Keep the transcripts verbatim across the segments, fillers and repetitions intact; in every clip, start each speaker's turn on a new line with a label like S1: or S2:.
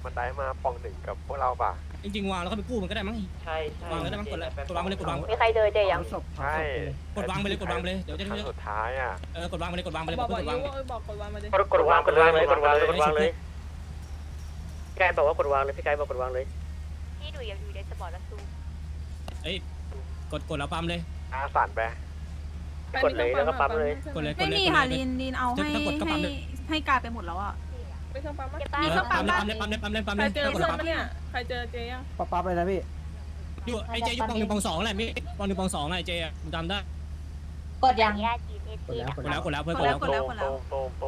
S1: มันได้มาปองหนึ่งกับพวกเราป่ะ
S2: จริงๆวางแล้วก็ไปกู้มันก็ได้มั้ง
S3: ใช่ใช่
S2: วางแล้วได้มั้งกดเลยกดวางไปเลยกดวาง
S4: มีใครเจอเจยัง
S1: ใช่
S2: กดวางไปเลยกดวางไปเลยเดี๋ยวจะ
S1: ครั้งสุดท้ายอ่ะ
S2: เออกดวางไปเลยกดวางไปเลย
S5: บอก
S2: ก
S5: บอก
S2: ด
S5: ยู
S2: วาง
S5: ว่าบอกกดวางมาดิ
S3: กดวางกดวางเลยกดวางเลยกดวางเลยพี่กายบอกว่ากดวางเลยพี่กายบอกกดวางเลย
S4: พี่ดูยังอยู่ในสปอร์ตแล้วซู
S2: เอ้ยกดกดแล้วปั๊มเลย
S1: อาสั่นไป
S3: กดเลยแล้วก็ปั๊มเลย
S2: กดเลยก
S6: ไม่
S2: ดเลย
S6: มี
S2: กด
S6: ค่ะ
S2: เลย
S6: ลีนลีนเอาให้ให้ให้กลายไปหมดแล้วอ่ะ
S5: ไม่ต้องปั๊มมั้ย
S4: เก็บใต้
S6: มีเครื่องปั๊
S2: ปั๊มเลยปั๊มเลยปั๊มเลยปั๊มเลยปั๊มเลย
S5: ใครเจอ
S2: กด
S5: เพื่อน
S2: ปั๊ม
S5: ปะเนี่ยใครเจอเจยัง
S7: ปั๊บปั๊บเลยนะพี่
S2: อยู่ไอเจยุคปองหนึ่งปองสองแหละมิปองหนึ่งปองสองไอเจจำได้
S4: กดยังยาจีเอจี
S2: กดแล้วกดแล้วเพื่อน
S6: ก
S2: ก
S6: ด
S2: ด
S6: แล้
S2: แล้ว ว
S6: กดแล้วกดแล้ว
S1: โตโต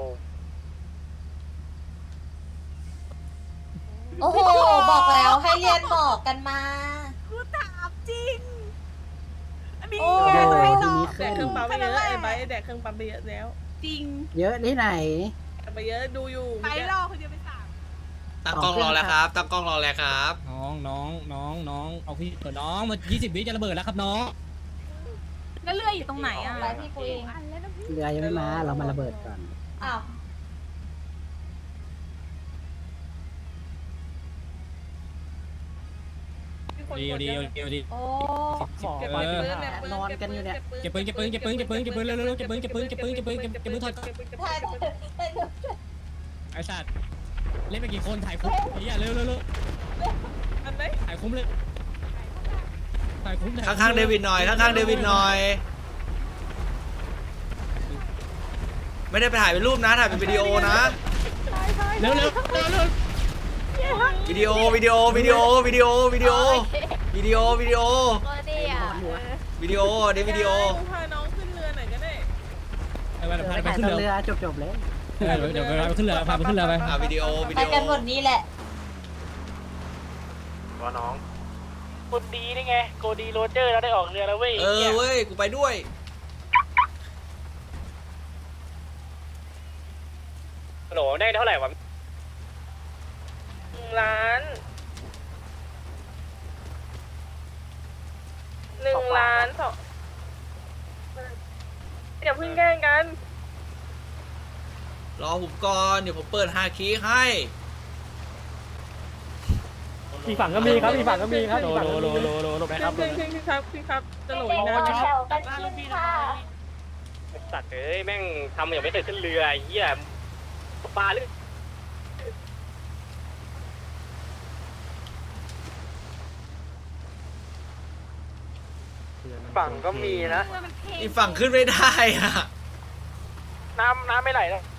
S8: โอ้โห บอกแล้วให้เรียนบอกกันมา
S6: กูถามจริงอันนี้
S8: โอ้
S6: แกจะไม่น้อง
S5: แดกเครื่องปั๊มไปเยอะไอ้ไบแดกเครื่องปั๊มไปเยอะแล้ว
S6: จริง
S7: เยอะที่ไหน
S5: ไปเยอะดูอยู่
S6: ไปรอคนเดียวไปสาม
S9: ตั้งกล้องรอแล้วครับตั้งกล้องรอแล้วครับ
S2: น้องน้องน้องน้องเอาพี่เปิดน้องมายี่สิบวิจะระเบิดแล้วครับน้อง
S6: แล้วเลื่อยอยู่ตรงไหนอ่ะ
S8: ไปพี่คุย
S7: เรือยังไม่มา เรามาระเบิดก่อน
S8: อ้าว
S2: ดีดีดีดี
S8: โอ้
S5: เก็บปืนเนี่ย
S7: นอนกันอยู่เนี่ย
S2: เก็บปืนเก็บปืนเก็บปืนเก็บปืนเก็บปืนเร็วเร็วเก็บปืนเก็บปืนเก็บปืนเก็บปืนเก็บปืนถอด ไอ้สัตว์เล่นไปกี่คนถ่ายคุ้มไอ้เหี้ยเร็วเร็วเร็ว
S5: อันไหน
S2: ถ่ายคุ้มเลยถ่ายคุ้ม
S9: ข้างๆเดวิดหน่อยข้างๆเดวิดหน่อย ไม่ได้ไปถ่ายเป็นรูปนะถ่ายเป็นวิดีโอนะ
S2: เร็วเร็วเร็วเร็ว
S9: วิดีโอวิดีโอวิดีโอวิดีโอวิดีโอวิดีโอวิดีโอ
S4: ก็ดีอ่ะ
S9: วิดีโอเดี๋ยววิดีโอ
S5: พาน้องขึ้นเรือหน่อยก็ได้
S2: ไปไป
S7: ไป
S2: ไป
S7: ขาย
S2: ขึ้น
S7: เรื
S2: เรือ
S7: อจบจบๆเลย
S2: เดี๋ยวไปขึ้นเรือพาไปขึ้นเรือไป
S9: อ่ะวิดีโอวิ
S8: ไป
S9: ดีโอ
S8: กันหมดนี้แหละ
S1: ว่าน้อง
S3: คนดีนี่ไงโกดีโรเจอร์แล้วได้ออกเรือแล้วเว้ย
S9: เออเว้ยกูไปด้วย
S3: โหลได้เท่าไหร่วะ
S5: ล้านหนึ่งล้านสองอย่าเพิ่งแกล้งกัน
S9: รอผมก่อนเดี๋ยวผมเปิดฮาคีให้
S3: อีกฝั่งก็มีครับอีกฝั่งก็มีครับโลโลโลโลโลโลไปครับ
S5: ขึ้นขึ้นขึ้นครับขึ้นครับจะโหลอีกนะ
S8: แถวกันขึ้นค่ะ
S3: สัตว์เอ้ยแม่งทำอย่างไม่เคยขึ้นเรือไอ้เหี้ยปลาหรือ
S1: ฝั่งก็มีนะ
S9: อีกฝั่งขึ้นไม่ได้อะ
S3: น้ำน้ำไม่ไหลแล้ว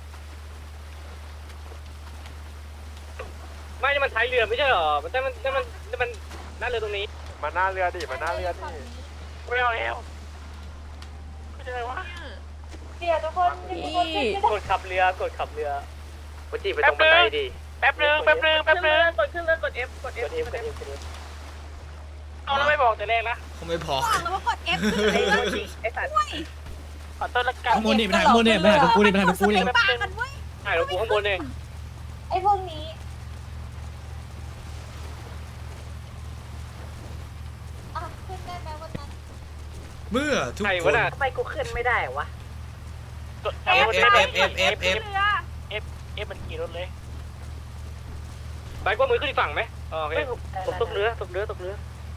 S3: ไม่นี่มันท้ายเรือไม่ใช่หรอมันแต่มันแต่มันแต่มันน่าเรือตรงนี้
S1: มาหน้าเรือดิมาหน้าเรือดิ
S3: ไม่เอาแล้วไม่ใช่วะ
S8: เดี๋ยวทุกคนทุกคนขึ้นไม่ได้
S3: กดขับเรือกดขับเรือปจีไปตรงบันไดดิแป๊บนึงแป๊บนึง
S5: ขึ้
S3: แป๊บ
S5: นเรื
S3: นึ
S5: อง กดขึ้นเรือกด F กด
S3: ก
S5: F
S3: ดเอฟกดเอฟกดเอฟเอาแล้วไม่บอกแต่แรกนะ
S9: เขาไม่พอ
S6: บอกแล้วว่ากด F ขึ้นเลยนะ
S5: ไอ้สัตว์
S3: ขอต้นละกัน
S2: ข้างบนนี่ไปถ่ายข้างบนนี่ไปถ่ายกับกูนี่ไปถ่ายกับกูนี่
S6: ปากันเว้ย
S3: ถ่ายลงกูข้างบนเอง
S8: ไอ้พวกนี้อ่ะขึ้นได้ไหมวันนั้น
S9: เมื่อทุก
S3: ใคร
S9: ค
S3: วะ
S9: น
S3: น่ะ
S5: ทำไมกูขึ้นไม่ได้วะ
S3: เอฟ
S9: F F F F F
S3: เอฟมันกี่รถเลยไปกว่ามือขึ้นอีกฝั่งไหมโอเคตกตกเรือตกเรือตกเรือ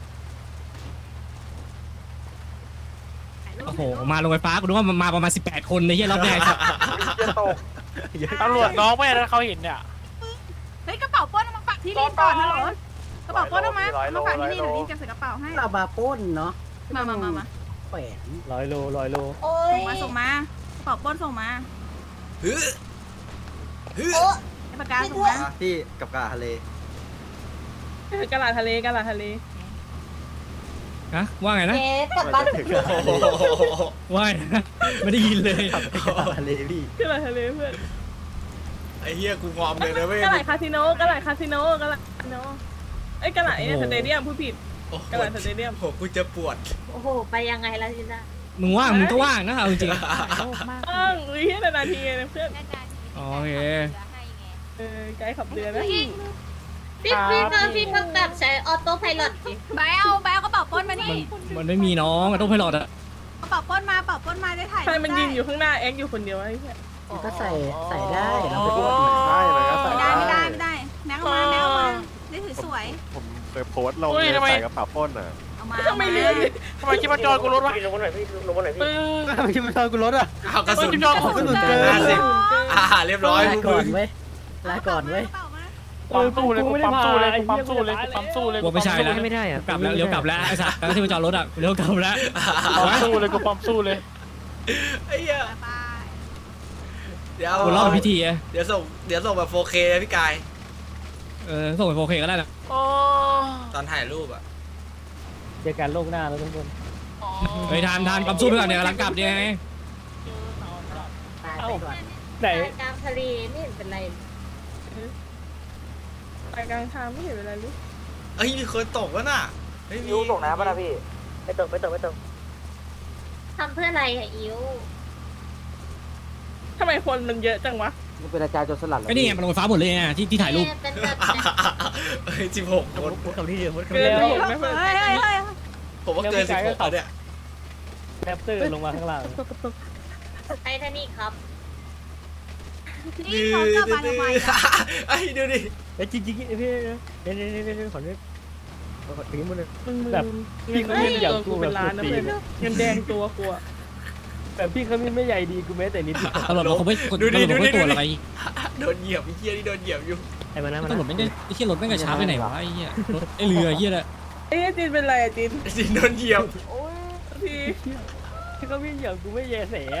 S2: โอ้โหมาลงไฟฟ้ากูนึกว่ามันมาประมาณสิบแปดคนในเหี้ยรอบแรกครับ
S1: จะตก
S3: ตำรวจน้องไม่แล้วเขาเห็นเนี่ย
S6: เฮ้ยกระเป๋าป้นเอามาฝากที่ลีนก่อนฮัลโหลกระเป๋าป้นเอามาเอามาฝากที่ลีนเดี๋ยวลีนเก็บใส่กระเป๋าให้
S7: เรามาปล้นเนาะ
S6: มามามามา
S7: แขวน
S3: ร้อยโลร้อยโล
S8: โอ้ย
S6: ส่งมาส่งมากระเป๋าป้นส่งมา
S9: ฮึฮึ
S8: โอ้
S6: ไอ้ปากกาส่งมา
S7: ที่กับกาทะเล
S5: กระลาทะเลกระลาทะเล
S2: ฮะว่าไงนะ
S8: เจ๊กลับบ้าน
S9: โอ้โห
S2: ว่าไงนะไม่ได้ยินเลย
S7: ทะเลพี่
S5: กระลาทะเลเพื่อน
S9: ไอ้เหี้ยกูงอมเลยนะเว้ย
S5: กระลาคาสิโนกระลาคาสิโนกระลาคาสิโนไอ้กระลาเนี่ยสเตเดียมผู้ผิด
S9: โอ้โห
S5: กระลาสเตเดียม
S9: โอ้โหกูจะปวด
S8: โอ้โห ไปยังไงล่ะจินดา
S2: มึงว่างมึงก็ว่างนะเอาจริง
S5: อ้างอุ้ยนาทีนะเพื่อน
S2: ๆโอเค
S5: เออไกด์ขับเรือนะ
S8: พี่พี่พี่เพิ่มพี่เพิ่มแบบใช้ออโต้ไพลอตสิ
S6: ใบเอาใบเอากระเป๋าป้นมานี่
S2: มันไม่มีน้องอะต้องไปหลอดอะ
S6: กระเป๋าป้นมากระเป๋าป้นมาได้ถ่าย
S5: ใครมันยืนอยู่ข้างหน้าแอ็กอยู่คนเดียวไอ้เหี้ย
S7: มันก็ใส่ใส่ได้เราไปปล้น
S1: ใช่เลยก็ใส่
S6: ไม่ได้ไม่ได้ไม่ได้แม็กเอามาแม็ก
S1: เคยโพสต์ลงเลยใส่กระเป๋าปล้นอ่ะ
S6: เอามา
S5: ทำไมเรือ
S3: ทำไมคิดว่าจอดกูรถวะพี่ลงบนหน่อยพี่ลงบนหน่อยพี่
S7: ทำไมมันชนกูรถอ่ะ
S9: อ้าวกระสุน
S3: จอด
S7: กระสุนเกิน
S9: ห้าสิบอ่าเรียบร้อย
S7: ลา
S9: พวก
S7: ก่
S9: มึ
S7: อน
S9: ง
S7: เว้ยลาก่อนเว้ย
S3: ปั๊มสู้เลยกูปั๊มสู้เลยกูปั๊มสู้เลยกูปั๊มสู้เลย
S2: กลัวไม่ใช่แล้ว
S3: ไม่ได้อะ
S2: กลับแล้วเลี้ยวกลับแล้วไอ้สัสแล้วที่มาจอดรถอ่ะเลี้ยวกลับแล้ว
S3: ปั๊มสู้เลยกูปั๊มสู้เลย
S9: ไอ้เหี้ยเดี๋ยว
S2: คนรอบพิธีไง
S9: เดี๋ยวส่งเดี๋ยวส่งแบบ โฟร์เค เลยพี่กาย
S2: เออส่งไปโฟเคก็ได้นะ
S9: ตอนถ่ายรูปอ่ะ
S3: เจอกันโลกหน้าแล้วทุกคน
S2: เฮ้ยทานทานปั๊มสู้ไปก่อนเนี่ยกำลังกลับเนี่ยไง
S3: เอ้าไหน
S8: กลางทะเลไม่เห็นเป็นไร
S5: ไปกลางทางไม่เห็นเป็นไรเลย
S9: เอ้ยมีคนตกวะน่ะไม่มี
S3: ยูส่งน้ำป่ะนะพี่ไปเติมไปเติมไปเติม
S8: ทำเพื่ออะไรอะอิว
S5: ทำไมคนมันเยอะจังวะ
S3: มึงเป็นอาจารย์จนสลัดเหรอ
S2: ไอ้นี่ไงมันลงไฟฟ้าหมดเลยไงที่ที่ถ่ายรูป
S8: แม่เป็นแบบ
S9: เฮ้ยสิบหกคน
S7: พูดคำที่เดียวพูดคำ
S5: เกิ
S7: เดี
S5: น
S7: ยว
S5: ถูกไหมเพื่อน
S6: เฮ้ยเฮ้ยเฮ้ย
S9: ผมว่าเกินสิบหกแล้วเนี่ย
S3: แรปเตอร์ลงมาข้างล่าง
S8: ไททานิคครับ
S6: นี่เขาจะมาทำไมอะ
S9: ไอ้ดูดิ
S3: เอ้ยจริงจริงพี่เดี๋ยวเดี๋ยวเดี๋ยวเดี๋ยวขอเรียกขอถึงมือเลย
S5: มึงมึง
S3: แบบ
S5: เงิน
S3: พี่
S5: เดื
S3: เขา
S5: อน
S3: ไม่อยาก
S5: ตัวกูเป็นล้านนะ
S3: กู
S5: เพื่อน
S3: แบบ
S5: เงินแดงตัวกูอะ
S3: แบบพี่เขาไม่ใหญ่ดีกูแม้แต่นิดเดียว
S2: ตำรวจบอกเขาไม่ตำรวจบอกไม่ตรวจอะไร
S9: โดนเหยียบไอ้เหี้ยนี่โดนเหยียบอยู่
S3: ไอ้มันนะมัน
S2: ตำรวจไม่ได้ไอ้เหี้ยรถไม่งกระช้าไปไหนวะไอ้เหี้ยรถไอ้เรือไอ้เหี้ยแหละ
S5: เอ้ยจีนเป็นไรอะจีน
S9: ไอ้สิโดนเหยียบ
S5: พี่
S3: พี่เขาไม่เหยียบกูไม่แย่แส